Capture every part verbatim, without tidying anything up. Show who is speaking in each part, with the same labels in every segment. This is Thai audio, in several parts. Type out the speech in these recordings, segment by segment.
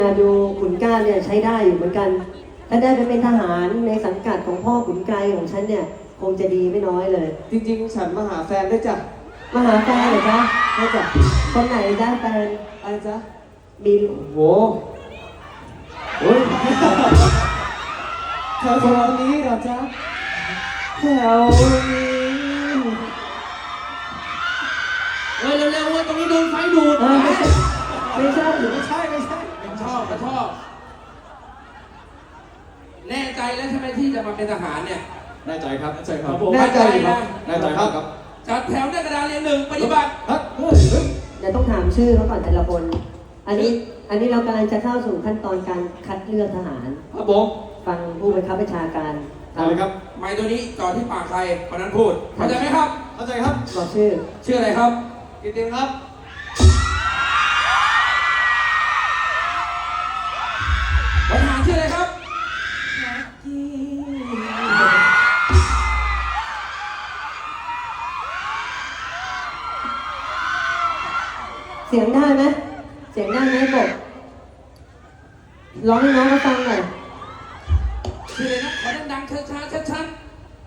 Speaker 1: ดูขุนกล้าเนี่ยใช้ได้อยู่เหมือนกันถ้าได้ไปเป็นทหารในสังกัดของพ่อขุนไกรของฉันเนี่ยคงจะดีไม่น้อยเลย
Speaker 2: จริงๆฉันมาหาแฟนด้วยจ้ะ
Speaker 1: มาหาแฟนเหรอจ๊ะ
Speaker 2: ด้วยจ้ะ
Speaker 1: คนไหนจ๊ะแฟน
Speaker 2: อะไรจ๊ะ
Speaker 1: บิน
Speaker 2: โอ้โหแถวนี้เหรอจ๊ะแถวนี้
Speaker 3: เฮ้ยเร็วๆเว้ยตรงนี้โดนไฟดูด
Speaker 1: ไม่ใช่
Speaker 2: ไม่ใช่ไม่ใช่
Speaker 3: ไม่ชอบไม่ชอบแน่ใจแล้วใช่ไหมที่จะมาเป็นทหารเนี่ย
Speaker 2: แน่ใจครับแน่ใจครับ
Speaker 3: แน่ใจ
Speaker 2: นะแน่ใจครับ
Speaker 3: จัดแถวหน้ากระดานเรียงหนึ่งปฏิบัติ
Speaker 1: เดี๋ยวต้องถามชื่อเขาก่อนแต่ละคนอันนี้อันนี้เรากำลังจะเข้าสู่ขั้นตอนการคัดเลือกทหาร
Speaker 2: ครับผม
Speaker 1: ฟังผู้บังคับบัญชาการ
Speaker 2: เอาเลยครับ
Speaker 3: ไม้ตัวนี้จ่อที่ปากใครคนนั้นพูดเข้าใจไหมครับ
Speaker 2: เข้าใจครับ
Speaker 1: บอกชื่อ
Speaker 3: ชื่ออะไรครับ
Speaker 2: กิตติครับ
Speaker 3: ทหารชื่ออะไรครับ
Speaker 1: เสียงได้ไหมเสียงได้ไหมบอกร้องให้น้องเขาฟังหน่อย
Speaker 3: ชื่ออะไรนะขอดังๆช้าๆชัดๆ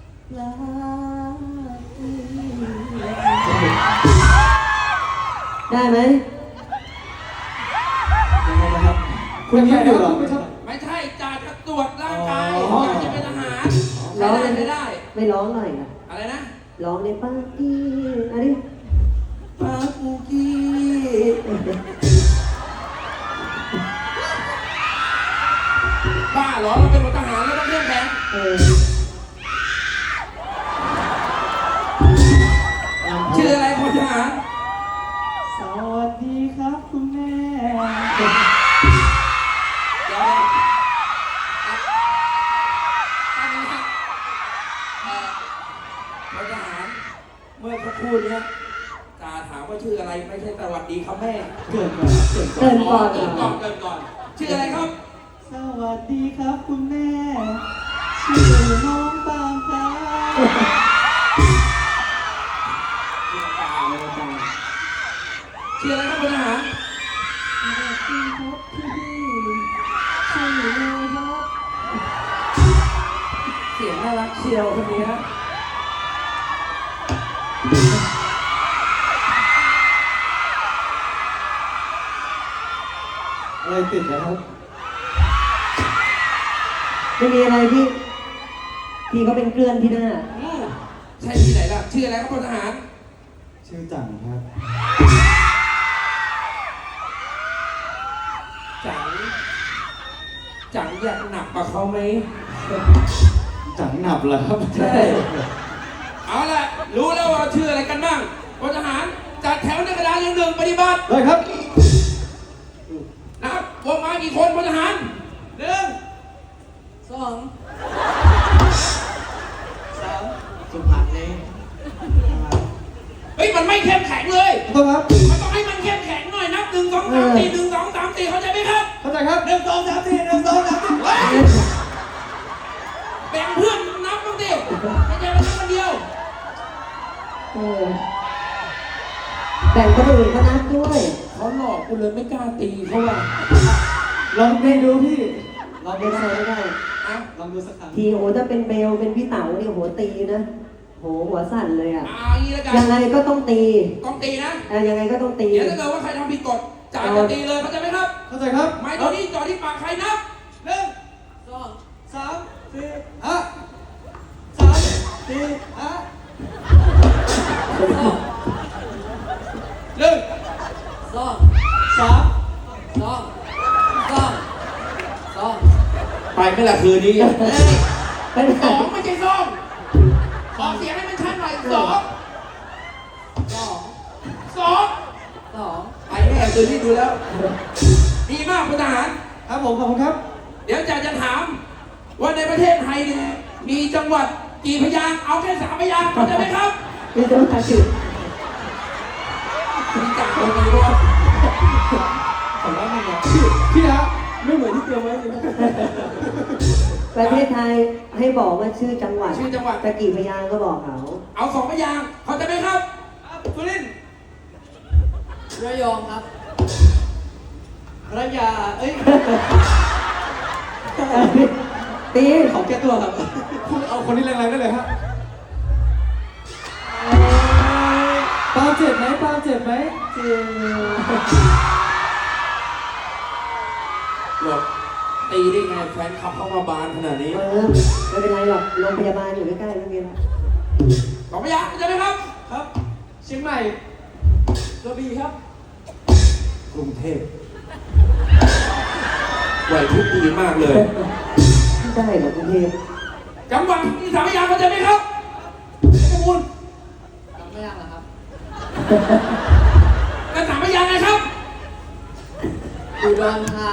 Speaker 1: ได้ไหม
Speaker 2: คุณยิ้มอยู่เหรอ
Speaker 3: ไม่ใช่จ่าจะตรวจร่างกายจ่าจะเป็นทหาร
Speaker 1: ร้อง
Speaker 3: ไม่ได้
Speaker 1: ไม่ร้องหน่อยนะ
Speaker 3: อะไรนะ
Speaker 1: ร้องในป้ากี้อะไร
Speaker 3: ป้ากี้บ้าเหรอเราเป็นทหารแล้วต้องเรียกแบงชื่ออะไรพลทหาร
Speaker 2: สวัสดีครับคุณแม่
Speaker 3: เดี๋ยวตั้งนะพลทหารเมื่อสักครู่นี้จ่าถามว่าชื่ออะไรไม่ใช่สวัสดีครับแม่
Speaker 2: เกิดก่อนเกิดก่
Speaker 1: อน
Speaker 3: เกิดก่อนเกิดก่อนชื่ออะไรครับ
Speaker 2: สวัสดีครับคุณแม่ชื่อน้องปามครับ
Speaker 3: ชื่ออะไรครับพลทหาร
Speaker 2: สวัสดีครับพี่ชื่อเลยครับ
Speaker 3: เสียงน่ารักเชียวคนนี้
Speaker 2: อะไรติดนะครับ
Speaker 1: ไม่มีอะไรพี่พี่เขาเป็นเกลื่อนที่หน้า
Speaker 3: ใช่ที่ไหนล่ะชื่ออะไรครับพลทหาร
Speaker 2: ชื่อจังครับ
Speaker 3: จังจังอยากหนักกว่าเขาไหม
Speaker 2: จังหนับเหรอครับ
Speaker 3: ใช่เอาล่ะรู้แล้วว่าชื่ออะไรกันบ้างพลทหารจัดแถวในกระดานเรียงหนึ่งปฏิบัติ
Speaker 2: เลยครับ
Speaker 3: นับวงมากี่คนพลทหารหนึ่งสอง
Speaker 2: สามสุพรรณนี่
Speaker 3: เฮ้ยมันไม่เข้มแข็งเลย
Speaker 2: ต้องครับ
Speaker 3: มันต้องให้มันเข้มแข็งหน่อยนับหนึ่งสองสามสี่หนึ่งสองสามสี่เข้าใจไหมครับ
Speaker 2: เข้าใจครับหนึ่งสองสามสี่หนึ่งสองสามสี่
Speaker 3: แบ่งเพื่อนนับบ้างดิไม่ใช่มานับคนเดียว
Speaker 1: แบ่งคนอื่นก็นับด้วย
Speaker 3: เขาหลอกกูเลยไม่กล้าตีเขาว่ะ
Speaker 2: ลองไม่ดูพี่
Speaker 1: ลองเบลไม่ได้
Speaker 2: ลองดูสักครั้ง
Speaker 1: ทีโอถ้าเป็นเบลเป็นพี่เต๋านี่โหตีนะโหหัวสั่นเลยอ่ะ
Speaker 3: ยั
Speaker 1: งไงก็ต้องตี
Speaker 3: ต้องตีนะ
Speaker 1: ยังไงก็ต้องตี
Speaker 3: เดี๋ยวถ้าเกิดว่าใครทำผิดกฎจ่ายจะตีเลยเข้าใจไหมครับ
Speaker 2: เข้าใจครับ
Speaker 3: ไม้ตัวนี้จ่อที่ปากใครนับหนึ่งสอง
Speaker 2: สามสี่ห้าสามสี่ห้า
Speaker 3: หนึ่ง
Speaker 2: สองสาม
Speaker 3: สองสองสองไปไม่ละคืนนี้สองไม่ใช่สองขอเสียงให้มันชัดหน่อยสองสองสองสองไปแน่คืนนี้ดูแล้วดีมากพลทหาร
Speaker 2: ครับผมขอบคุณครับ
Speaker 3: เดี๋ยวจะจะถามว่าในประเทศไทยเนี่ยมีจังหวัดกี่พยางค์เอาแค่สามพยางค์เข้าใจไหมครับ
Speaker 1: มีจังหวัดกี่
Speaker 3: มีจังหวัดกี่วะ
Speaker 2: ผมว่าไม่เหมือนพี่ฮะไม่เหมือนที่เตรียมไว้เลย
Speaker 1: ประเทศไทยให้บอกว่าชื่อจังหวัด
Speaker 3: ชื่อจังหวัด
Speaker 1: แต่กี่พยางค์ก็บอกเขา
Speaker 3: เอาสองพยางค์เข้าใจไหมครับสุรินทร์
Speaker 2: ระยองครับระยาเอ้ย
Speaker 1: ตี
Speaker 2: ขอแก้ตัวครับ
Speaker 4: คุณเอาคนที่แรงๆได้เลยฮะปาล์มเจ็บไหมปาล์มเจ็บไหมเจ็บ
Speaker 3: บอกตีได้ไงแฟนขับเข้ามาบานขนาดนี้
Speaker 1: เออไม่เป็นไรหรอกโรงพยาบาลอยู่ใกล้ๆไม่มีหรอก
Speaker 3: สองพยางค์ใช่ไหมครับ
Speaker 2: ครับ เชียงใหม่กระบี่ครับ
Speaker 3: กรุงเทพไหวพริบดีมากเลย
Speaker 1: ได้เหรอกรุงเทพ
Speaker 3: จังหวัดที่สามพยางค์เข้าใจไหมครับข้อมูล
Speaker 2: จำไม่ยากเหรอครับ
Speaker 3: กันสามพยางค์ไงครับ
Speaker 2: อุดรธา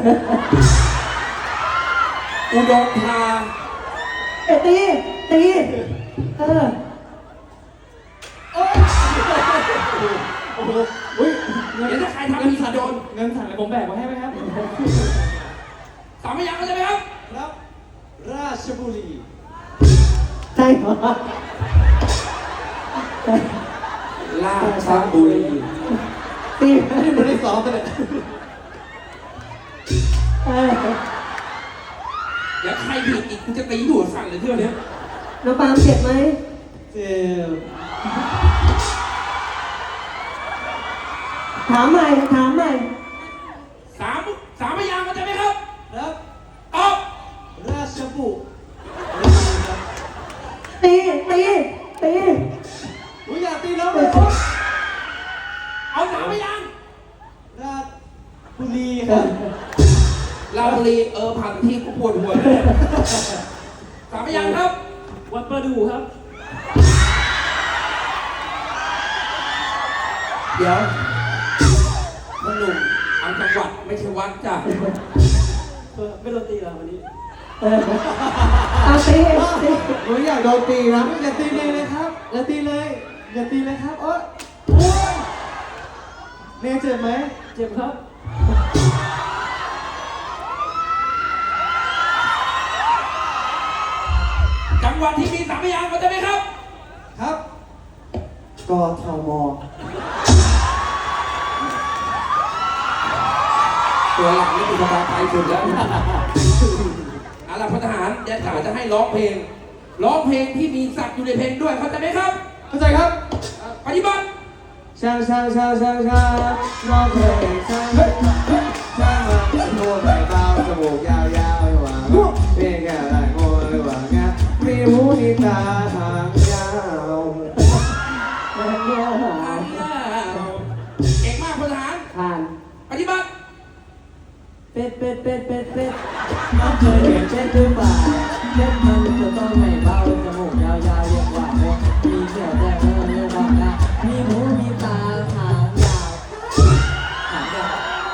Speaker 3: อุดรธา
Speaker 1: เอ้ยตีตีเออ
Speaker 2: โอ้ย
Speaker 4: โอ้โหอุ้ยเงิน
Speaker 3: เดี๋ยวถ้าใครทำผิดโดน
Speaker 4: เงินสั่งเลยผมแบกมาให้ไหมครับ
Speaker 3: สามพยางค์เข้าใจไหมครับ
Speaker 2: ครับ ราชบุรี
Speaker 1: ใช่เหรอ
Speaker 3: ราชบุรี
Speaker 1: ตี
Speaker 4: นี่มันได้ซ้อมไปเลย
Speaker 1: เออ
Speaker 3: เดี๋ยวใครผิดอีกกูจะตีหัวสั่นเลยเที่ยวเนี้ย
Speaker 1: น้องปาล์มเจ็บไหม
Speaker 2: เจ็บ
Speaker 1: ถามใหม่ถามใหม่
Speaker 3: สามสามพยางค์เข้าใจไหมครับ
Speaker 2: ครับ
Speaker 3: ตอบ
Speaker 2: ราชบุรีครับ
Speaker 1: ตีตีตี
Speaker 2: อุ้ยอย่าตีน้องเลยครับ
Speaker 3: เอาสามพยางค์
Speaker 2: ราชบุรีครับ
Speaker 3: ลาบุรีเออผ่านที่กูปวดหัวเลยสามพยางค์ครับ
Speaker 2: วัดประดูครับ
Speaker 3: เดี๋ยวมันหนุ่มเอาจังหวัดไม่ใช่วัดจ้ะ
Speaker 2: ไม่โดนตีแล้ววันนี้
Speaker 1: เออเอาตีตี
Speaker 4: หนูอยากโดนตีนะอย่าตีเลยเลยครับอย่าตีเลยอย่าตีเลยครับเอ้ยโอ้ยเนยเจ็บไหม
Speaker 2: เจ็บครับ
Speaker 3: จังหวัดที่มีสามพยางค์เข้าใจไหมครับ
Speaker 2: ครับ
Speaker 4: กทม
Speaker 3: ตัวหลังนี่คือสบายใจสุดแล้วเอาล่ะพลทหารเดี๋ยวจ๋าจะให้ร้องเพลง ร้องเพลงที่มีสัตว์อยู่ในเพลงด้วยเข้าใจไหมครับ
Speaker 4: เข้าใจครับ
Speaker 3: ปฏิบัติ
Speaker 4: ช่างช่างช่างช่างช่างน้องเพลงช่างช่างมาตัวใส่เบาจมูกยาวยาวไม่หวังเพียงแค่ไหลโง่ไม่หวังนะมีหูมีตาหางยาว
Speaker 1: มันเนี่ยหา
Speaker 3: เก่งมากพลทหาร
Speaker 1: ผ่าน
Speaker 3: ปฏิบัติ
Speaker 2: เป็ดเป็ดเป็ดเป็ดเป็ดน้องเคยเห็นเป็ดหรือเปล่าเป็ดมันจะต้องไม่เบาจมูกยาวๆเรียกว่าโมมีเขียวแดงเรียกว่านะมีหูมีตาหางยาวหางยาว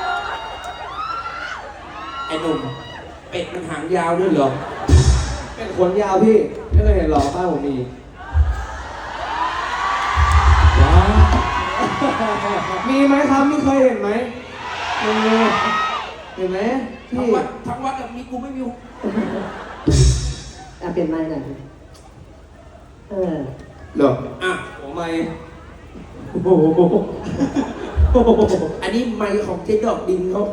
Speaker 3: ไอ้หนุ่มเป็ดมันหางยาวด้วยเหรอ
Speaker 4: เป็นขนยาวพี่ไม่เคยเห็นหรอบ้านผมมีว้าวมีไหมครับมีเคยเห็นไหมมีเห็นไหม
Speaker 3: ทั้ง
Speaker 4: พี่
Speaker 3: วัดทั้งวัดอะมีกูไม่มี
Speaker 1: อ่ะเปลี่ยนไม้หน่อยเออ
Speaker 4: เหรอ
Speaker 3: อ่ะ
Speaker 4: ผมไม่
Speaker 3: โอ้โหอันนี้ไมค์ของเจ๊ดอกดินเขา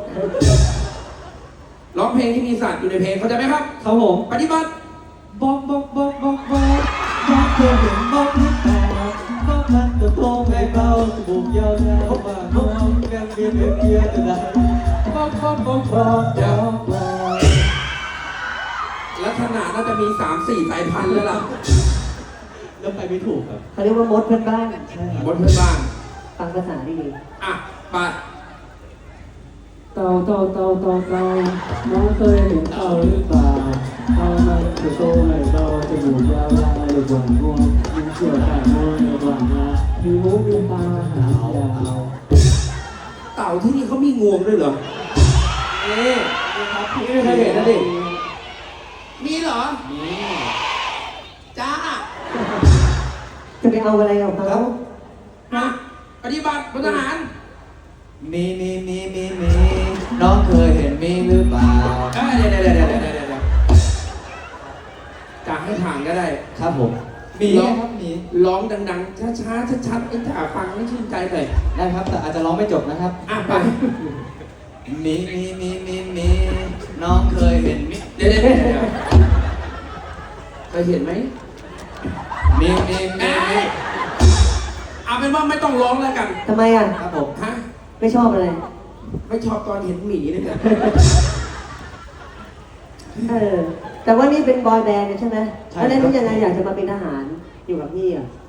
Speaker 3: ร้องเพลงที่มีสัตว์อยู่ในเพลงเข้าใจไหมครับ
Speaker 4: ครับผม
Speaker 3: ปฏิบัติ
Speaker 2: บอกบอกบอกบอกบอกบอกเคยเห็นบอกหรือเปล่าบอกมันจะโตไม่เบาจมูกยาวๆมาโน้มกันเบียดเบียดจะได้บอกบอกบอกบอกบอกบอก
Speaker 3: ลักษณะน่าจะมีสามสี่สายพันธุ์แล้วล่ะ
Speaker 2: แล้วไปไม่ถูกครับ
Speaker 1: เขาเรียกว่ามดเพื่อนบ้านใช่
Speaker 3: บนเพื่อนบ้าน
Speaker 1: ฟังภาษาดี
Speaker 3: อ่ะไป
Speaker 2: เต่าเต่าเต่าเต่าเต่าน้องเคยเห็นเต่าหรือเปล่าเต่ามันจะโตไม่เบาจมูกยาวๆหรือหวานงวงมีเขียวแต่งวงในหวานนะมีหูมีตาหางยาว
Speaker 3: เต่าที่นี่เขามีงวงด้วยเหรอ
Speaker 4: นี่ครับพี่ไม่เคยเห็นนะดิ
Speaker 3: มีเหรอ
Speaker 4: มี
Speaker 3: จ้า
Speaker 1: จะไปเอาอะไรของเขา
Speaker 3: อ่ะปฏิบัติพลทหาร
Speaker 4: มีมีมีมีมีน้องเคยเห็นมีหรือเปล่า
Speaker 3: เอ้ยเดี๋ยวเดี๋ยวเดี๋ยวเดี๋ยวเดี๋ยวเดี๋ยวจะให้ผ่านก็ได้
Speaker 4: ครับผมมี
Speaker 3: ร้อง
Speaker 4: ครับมี
Speaker 3: ร้องดังๆ ช้าๆ ชัดๆไอ้จ่าฟังไม่ชื่นใจเลย
Speaker 4: ได้ครับแต่อาจจะร้องไม่จบนะครับ
Speaker 3: อ่ะไป
Speaker 4: มีมีมีมีมีน้องเคยเห็นมิเดี๋ยวเดี๋ยวเดี๋ยวเคยเห็นไหมมีมีมีมี
Speaker 3: เอาเป็นว่าไม่ต้องร้องแล้วกัน
Speaker 1: ทำไมอ่ะ
Speaker 4: ครับผม
Speaker 3: ฮะ
Speaker 1: ไม่ชอบอะไร
Speaker 3: ไม่ชอบตอนเห็นหมีเลยเนี่ย
Speaker 1: เออ แต่ว่านี่เป็นบอยแบนด์ใช่ไหมแล้วได้รู้ยังไงอยากจะมาเป็นทหารอยู่กับพี่อ่ะ